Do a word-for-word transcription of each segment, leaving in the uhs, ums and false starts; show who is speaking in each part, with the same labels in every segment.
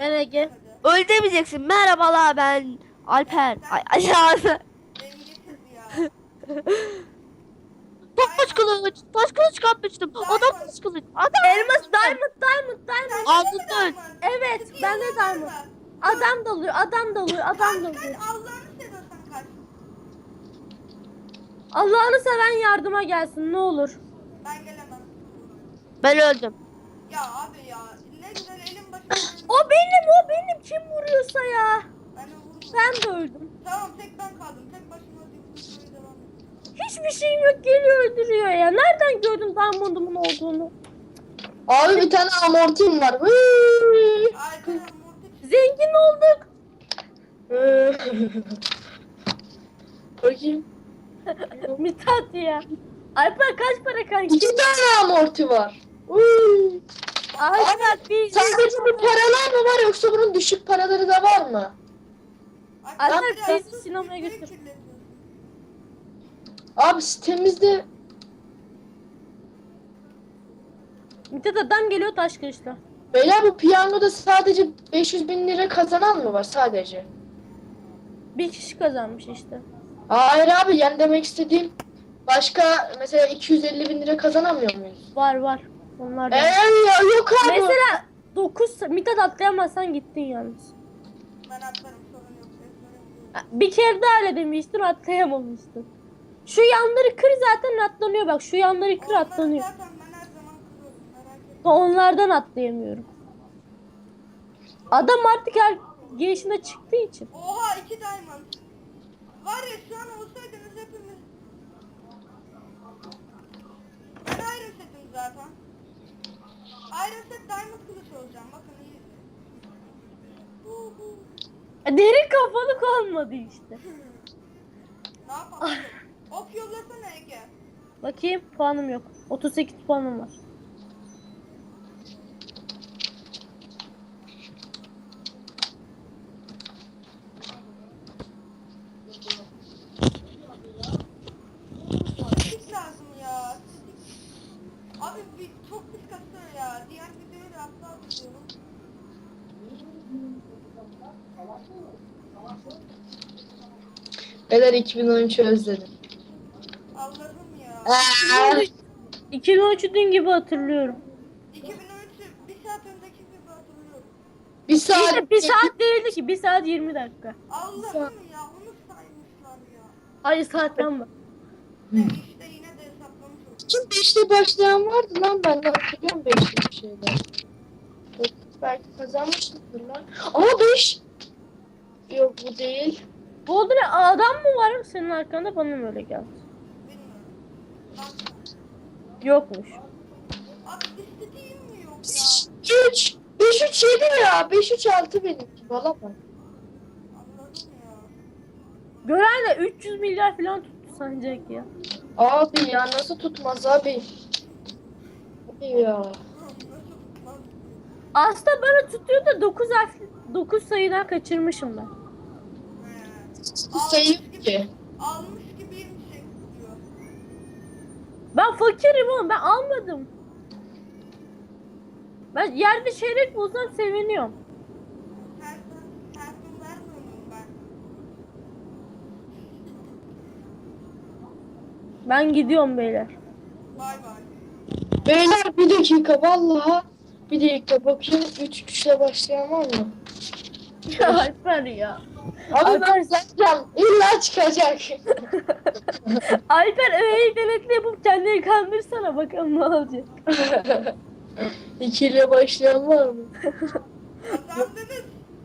Speaker 1: Ben Ege.
Speaker 2: Öyle demeyeceksin. Merhabalar ben Alper. Ay ay ya.
Speaker 3: Beni getir ya.
Speaker 2: Taş kılıç. Taş kılıç kapmıştım. Adam taş kılıç. Adam.
Speaker 1: Elmas diamond diamond diamond.
Speaker 2: Aldın.
Speaker 1: Evet ben de diamond. Adam dalıyor adam dalıyor adam
Speaker 3: Kaç
Speaker 1: dalıyor.
Speaker 3: kaç Allah'ını seviyorsan kaç.
Speaker 1: Allah'ını seven yardıma gelsin ne olur.
Speaker 3: Ben gelemem.
Speaker 2: Ben öldüm.
Speaker 3: Ya abi ya ne güzel elim başım.
Speaker 1: O benim o benim kim vuruyorsa ya.
Speaker 3: Ben de vururum.
Speaker 1: Ben de öldüm.
Speaker 3: Tamam tek ben kaldım. Tek başıma öldüğüm devam et.
Speaker 1: Hiçbir şeyim yok geliyor öldürüyor ya. Nereden gördün diamond'umun olduğunu?
Speaker 4: Abi bir tane amortim var. Hıı.
Speaker 3: Alper Mortis.
Speaker 1: Zengin olduk.
Speaker 4: Bakayım.
Speaker 1: Mithat ya. Alper kaç para kanki?
Speaker 4: İki tane amorti var. Hıı.
Speaker 1: Alper bir
Speaker 4: Sadece bu paralar mı var yoksa bunun düşük paraları da var mı?
Speaker 1: Alper
Speaker 3: biraz
Speaker 1: bizi sinemaya
Speaker 3: videoyu
Speaker 1: götür.
Speaker 3: kirletiyorsun.
Speaker 4: Abi sitemizde
Speaker 1: Mithat adam geliyor taş kılıçla.
Speaker 4: beyler bu piyangoda sadece beş yüz bin lira kazanan mı var sadece?
Speaker 1: Bir kişi kazanmış işte.
Speaker 4: Hayır abi yani demek istediğim başka mesela iki yüz elli bin lira kazanamıyor muyuz?
Speaker 1: Var var. Onlar da.
Speaker 4: Eee ya yok abi.
Speaker 1: Mesela dokuz Mithat atlayamazsan gittin yalnız.
Speaker 3: Ben atlarım sorun yok. Ezberim yok.
Speaker 1: Bir kere daha öyle demiştin atlayamamıştın. Şu yanları kır zaten atlanıyor bak şu yanları kır
Speaker 3: Onları
Speaker 1: atlanıyor.
Speaker 3: zaten ben her zaman kırıyorum merak etme.
Speaker 1: Onlardan atlayamıyorum. Adam artık her girişine çıktığı için.
Speaker 3: Oha iki diamond. Var ya şu an olsaydınız hepimiz. Ben Iron Set'im zaten. Iron Set diamond kılıç olacağım bakın iyi. Hu hu.
Speaker 1: Derin kafalık olmadı işte.
Speaker 3: Ne yapalım? Ok yollasana Ege.
Speaker 1: Bakayım puanım yok. otuz sekiz puanım var.
Speaker 3: Stick lazım ya. Stick. Abi bir çok pis kasıyor ya. Diğer videoyu da hatta atıyorum.
Speaker 4: Beyler iki bin on üçü özledim.
Speaker 3: Allah'ım ya.
Speaker 4: Aa,
Speaker 1: iki bin on üçü dün gibi hatırlıyorum.
Speaker 3: iki bin on üçü bir saat önceki gibi hatırlıyorum.
Speaker 4: bir saat.
Speaker 1: İşte bir saat değildi ki bir saat yirmi dakika.
Speaker 3: Allah'ım ya onu saymışlar ya.
Speaker 1: Hayır saatten bak.
Speaker 3: E işte yine de hesaplamış oldum.
Speaker 4: Kim beşte başlayan vardı lan ben de hatırlıyorum beşte bir şeyler. Dokuz belki kazanmıştık lan. Ama beş. Yok bu değil.
Speaker 1: Bu oldu ne adam mı var senin arkanda bana mı öyle geldi?
Speaker 3: Bilmiyorum. Bakma.
Speaker 1: Yokmuş.
Speaker 3: Abi istediğim mi yok ya?
Speaker 4: üç. beş üç yedi ya. beş üç altı benimki. Valla bak.
Speaker 3: Allah'ım ya.
Speaker 1: Gören de üç yüz milyar falan tuttu sancak ya.
Speaker 4: Abi ya nasıl tutmaz abi? Abi ya.
Speaker 3: Nasıl tutmaz?
Speaker 1: Aslında bana tutuyor da dokuz harf dokuz sayıdan kaçırmışım ben.
Speaker 3: He.
Speaker 4: Sayı
Speaker 3: Almış gibi-
Speaker 4: ki.
Speaker 3: Almış gibiyim şey diyor.
Speaker 1: Ben fakirim oğlum ben almadım. Ben yerde çeyrek bulsam seviniyorum.
Speaker 3: Her gün, her gün vermiyorum ben.
Speaker 1: Ben gidiyorum beyler.
Speaker 3: Bay bay.
Speaker 4: Beyler bir dakika vallahi. Bir dakika bakayım. üç tuşla başlayan var mı?
Speaker 1: Ya Alper ya.
Speaker 4: Abi ben zaten illa çıkacak.
Speaker 1: Alper öyle denetli yapıp kendini kandırsana bakalım ne olacak.
Speaker 4: İki ile başlayan var mı?
Speaker 3: Kazandınız.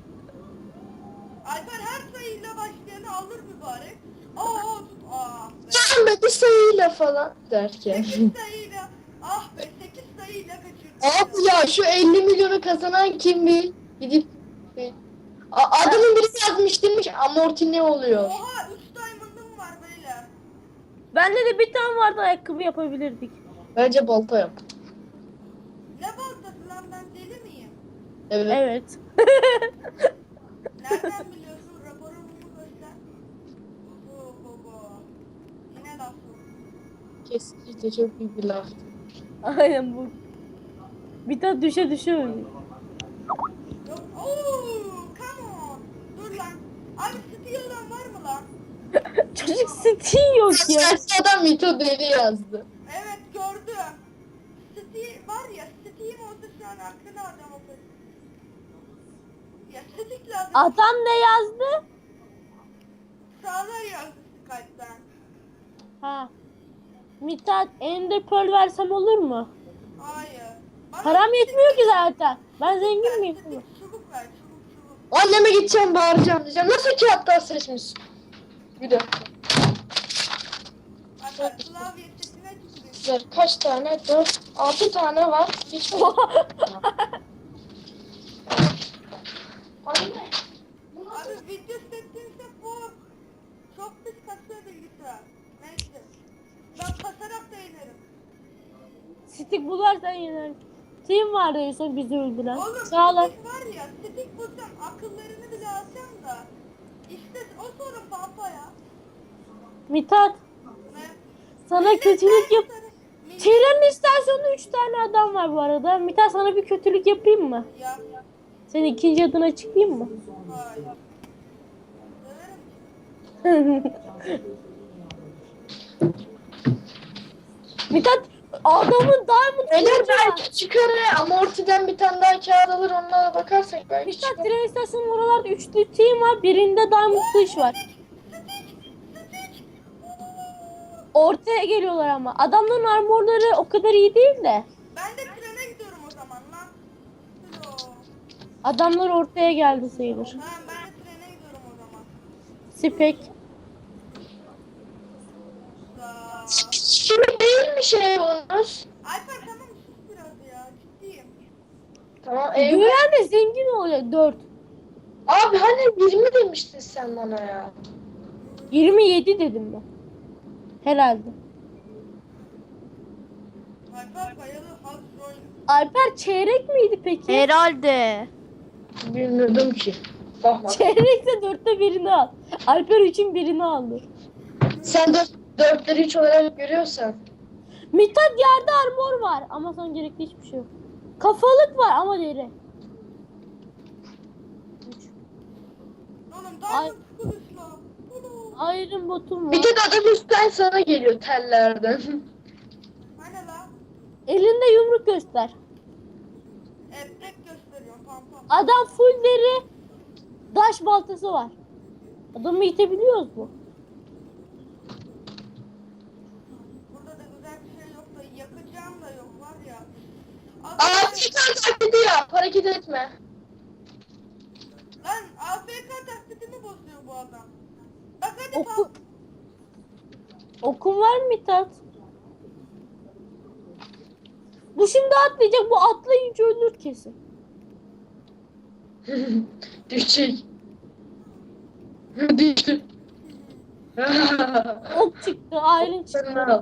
Speaker 3: Alper her sayıyla başlayanı alır mübarek. Aa tut. Ah be.
Speaker 4: Sen be bir sayıyla falan derken.
Speaker 3: sekiz sayıyla. Ah be sekiz sayıyla kaçırdım.
Speaker 4: Abi ya şu elli milyonu kazanan kim bir? Gidip bir... A- adamın biri yazmış demiş amorti ne oluyor?
Speaker 3: Oha üç diamond'ım var beyler.
Speaker 1: Bende de bir tane vardı ayakkabı yapabilirdik.
Speaker 4: Bence balta yap.
Speaker 3: Ne baltası lan ben deli miyim?
Speaker 4: Evet.
Speaker 1: Evet.
Speaker 3: Nereden biliyorsun? Raporumu göster. Bu bu bu. Yine laf bu.
Speaker 4: Kesinlikle çok büyük bir laftı.
Speaker 1: Aynen bu. Bir tane düşe düşe öldü.
Speaker 3: Yok Oo, come on. Dur lan. Abi Steel olan var mı lan?
Speaker 1: Çocuk Steam yok ya.
Speaker 4: Adam Mito deli yazdı.
Speaker 3: Evet gördüm. Steam var ya, Steam olsa şu an aklına adam olur. Ya Steam lazım.
Speaker 1: Adam ne yazdı?
Speaker 3: Sağlar yazdı Skype'den.
Speaker 1: Ha. Mithat Ender Pearl versem olur mu?
Speaker 3: Hayır. Bana
Speaker 1: Param yetmiyor ki zaten. Ben zengin
Speaker 3: ver,
Speaker 1: miyim?
Speaker 3: Steam çubuk ver, çubuk çubuk.
Speaker 4: Anneme gideceğim bağıracağım diyeceğim. Nasıl kağıttan seçmiş? Bir dakika.
Speaker 3: Hatta klavye setine çıkıyor.
Speaker 4: Güzel. Kaç tane? Dört, altı tane var. Hiç mi? Anne.
Speaker 3: Abi video settimse bu. Çok pis kasıyor bilgisayar. Neyse. Ben kasarak da inerim.
Speaker 1: Stick bularsan yener. Team vardı en son bizi öldüren.
Speaker 3: Oğlum
Speaker 1: Sağlar.
Speaker 3: stick var ya, stick bulsam akıllarını bile alacağım da. İşte o sorun pampa ya.
Speaker 1: Mithat
Speaker 3: Ne?
Speaker 1: sana kötülük yap.
Speaker 3: Millet-
Speaker 1: Tren istasyonunda üç tane adam var bu arada. Mithat sana bir kötülük yapayım mı?
Speaker 3: Ya.
Speaker 1: Senin ikinci adına çıkayım mı?
Speaker 3: Hayır. Döverim ki.
Speaker 1: Mithat adamın diamond
Speaker 4: Eğer
Speaker 1: kılıcı var.
Speaker 4: belki çıkar ya. Amortiden bir tane daha kağıt alır onlara bakarsak belki
Speaker 1: Mithat
Speaker 4: çıkar.
Speaker 1: tren istasyonunun oralarda üçlü team var. Birinde diamond kılıç var. Ortaya geliyorlar ama. Adamların armorları o kadar iyi değil de.
Speaker 3: Ben de trene gidiyorum o zaman lan. Hello.
Speaker 1: Adamlar ortaya geldi sayılır.
Speaker 3: Ha, ben de trene gidiyorum o zaman.
Speaker 1: Spek.
Speaker 3: Za.
Speaker 4: Şimdi değil mi şey olmuş?
Speaker 3: Alper tamam sus biraz ya. Ciddiyim.
Speaker 4: Tamam eyvah.
Speaker 1: Güven de zengin olacak. dört.
Speaker 4: Abi hani yirmi demiştin sen bana ya.
Speaker 1: yirmi yedi dedim ben. Herhalde.
Speaker 3: Alper bayalı hard roll.
Speaker 1: Alper çeyrek miydi peki?
Speaker 2: Herhalde.
Speaker 4: Bilmiyordum ki. Bakma.
Speaker 1: Çeyrekse dörtte birini al. Alper üçün birini aldı.
Speaker 4: Sen dört, dörtleri üç olarak görüyorsan.
Speaker 1: Mithat yerde armor var ama sana gerekli hiçbir şey yok. Kafalık var ama deri. Üç.
Speaker 3: Oğlum
Speaker 1: Ay.
Speaker 3: diamond kılıçla. Hello.
Speaker 1: Iron botum var.
Speaker 4: Bir de adam üstten sana geliyor tellerden.
Speaker 3: Hani la?
Speaker 1: Elinde yumruk göster.
Speaker 3: Eplek gösteriyorum pampa.
Speaker 1: Adam full deri. Daş baltası var. Adamı itebiliyoruz mu?
Speaker 3: Burada da güzel bir şey yok da yakacağım da yok var ya.
Speaker 4: Aa çıkar taklidi yap. Hareket etme.
Speaker 3: Lan A F K taklidimi bozuyor bu adam. Bak hadi
Speaker 1: Oku...
Speaker 3: pampa.
Speaker 1: Okun var mı Mithat? Bu şimdi atlayacak. Bu atlayınca ölür kesin.
Speaker 4: Düşecek. Düştü.
Speaker 1: Ok çıktı. Iron çıktı.
Speaker 4: Sen al.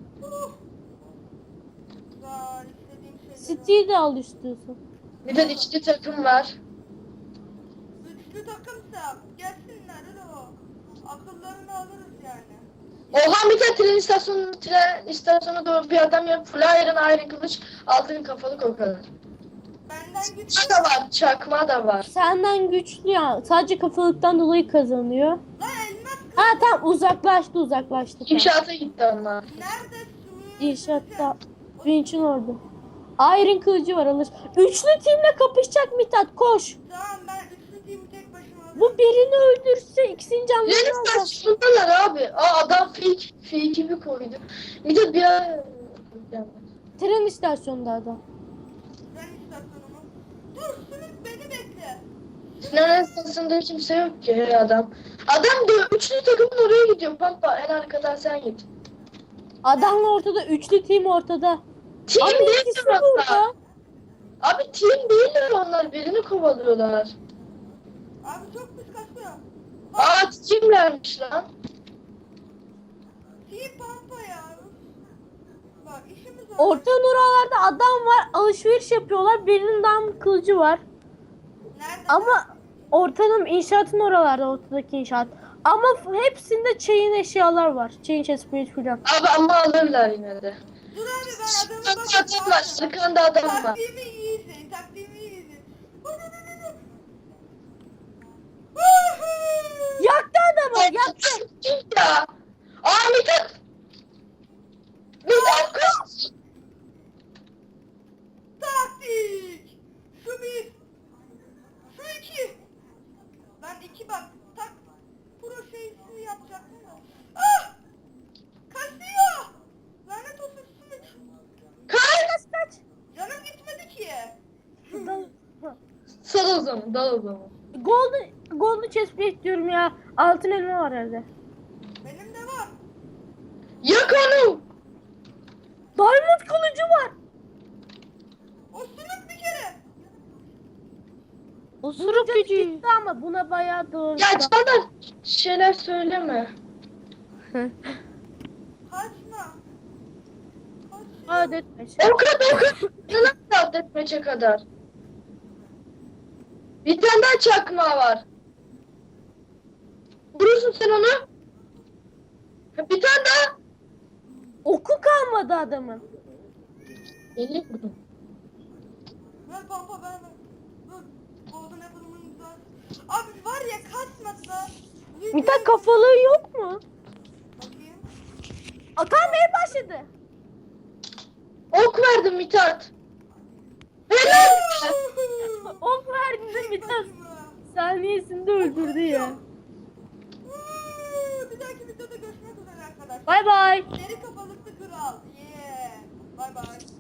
Speaker 3: Güzel istediğim şeyleri.
Speaker 1: City'yi de al istiyorsan.
Speaker 4: Bir de içli takım var.
Speaker 3: Üçlü takımsa gelsinler o. Akıllarını alırız yani.
Speaker 4: Oha bir de tren istasyonu, tren istasyonu doğru bir adam yok. Full iron, iron kılıç, altın kafalık o kadar.
Speaker 3: Benden güçlü.
Speaker 4: Çakma da var, çakma da var.
Speaker 1: Senden güçlü ya. Sadece kafalıktan dolayı kazanıyor.
Speaker 3: Lan elmas kılıç.
Speaker 1: Ha tamam uzaklaştı uzaklaştı. Tamam.
Speaker 4: İnşaata gitti onlar.
Speaker 3: Nerede su?
Speaker 1: İnşaatta. Vinç'in orada. Iron kılıcı var alır. Üçlü teamle kapışacak Mithat koş.
Speaker 3: Tamam ben üçlü team'i tek başıma alırım.
Speaker 1: Bu birini öldürse ikisini
Speaker 4: Tren
Speaker 1: canlı alacak.
Speaker 4: istasyonundalar abi. Aa adam fake, fake gibi koydu. Bir de bir ara...
Speaker 1: Tren istasyonunda adam.
Speaker 3: Ben istasyonumu. Dur Sümük beni bekle.
Speaker 4: Tren istasyonunda kimse yok ki hey adam. Adam diyor üçlü takımın oraya gidiyor. Pampa en arkadan sen git.
Speaker 1: Adamla ortada. Üçlü team ortada.
Speaker 4: Team
Speaker 1: Ama
Speaker 4: değiller
Speaker 1: ikisi
Speaker 4: onlar.
Speaker 1: burada.
Speaker 4: Abi team değiller onlar. Birini kovalıyorlar.
Speaker 3: Abi çok pis kasıyor.
Speaker 4: Aa teamlermiş lan.
Speaker 3: Team pampa ya. Bak işimiz var.
Speaker 1: Ortanın oralarda adam var. Alışveriş yapıyorlar. Birinin dam kılıcı var.
Speaker 3: Nerede?
Speaker 1: Ama ortanın inşaatın oralarda. Ortadaki inşaat. Ama f- hepsinde chain eşyalar var. Chain chest plate falan.
Speaker 4: Abi ama alırlar yine de.
Speaker 3: Dur abi ben adamı
Speaker 4: Arkanda
Speaker 3: bakayım.
Speaker 4: adam var. Arkanda adam var.
Speaker 3: Taktiğimi iyi izleyin. Taktiğimi iyi izleyin. Dur, dur, dur, dur.
Speaker 1: Yaktı adamı yaktı.
Speaker 4: Ya. Aa Mithat. Mithat kaç.
Speaker 3: Taktik. Şu bir. Şu iki. Ben iki bak. Tak. Pro şeysini yapacaktım da. Ah! Kaçıyor. Lanet olsun Sümük.
Speaker 4: Kaç.
Speaker 1: Kaç kaç.
Speaker 3: Canım gitmedi ki.
Speaker 1: Dal-
Speaker 4: Sal o zaman. Dal o zaman.
Speaker 1: Golden, golden chest plate diyorum ya. Altın elma var evde.
Speaker 3: Benim de var.
Speaker 4: Yak onu.
Speaker 1: Diamond kılıcı var.
Speaker 3: O Sümük bir kere.
Speaker 2: Osuruk
Speaker 1: Canı
Speaker 2: gücü.
Speaker 1: gitti ama buna bayağı doğru.
Speaker 4: Ya Çağlar şeyler söyleme.
Speaker 3: Kaçma. Kaçma.
Speaker 1: Adetmiş.
Speaker 4: O kadar o kadar. Nasıl atletmece kadar? Bir tane daha çakma var. Vurursun sen onu. Ha, bir tane daha.
Speaker 1: Oku kalmadı adamın.
Speaker 4: elli vurdum.
Speaker 3: Ver pampa ver ver. Dur. Golden Apple'ımın güzel. Abi var ya kaçmasa.
Speaker 1: Mithat kafalığı yok mu?
Speaker 3: Bakayım.
Speaker 1: Atamaya başladı.
Speaker 4: Ok verdim Mithat. Helal.
Speaker 1: Ok verdi de Mithat.
Speaker 3: Kaçma.
Speaker 1: Saniyesinde öldürdü ya.
Speaker 3: Woo! Bir dahaki videoda görüşmek üzere arkadaşlar.
Speaker 1: Bay bay.
Speaker 3: Deri kafalıklı kral. Yeah. Bye bye.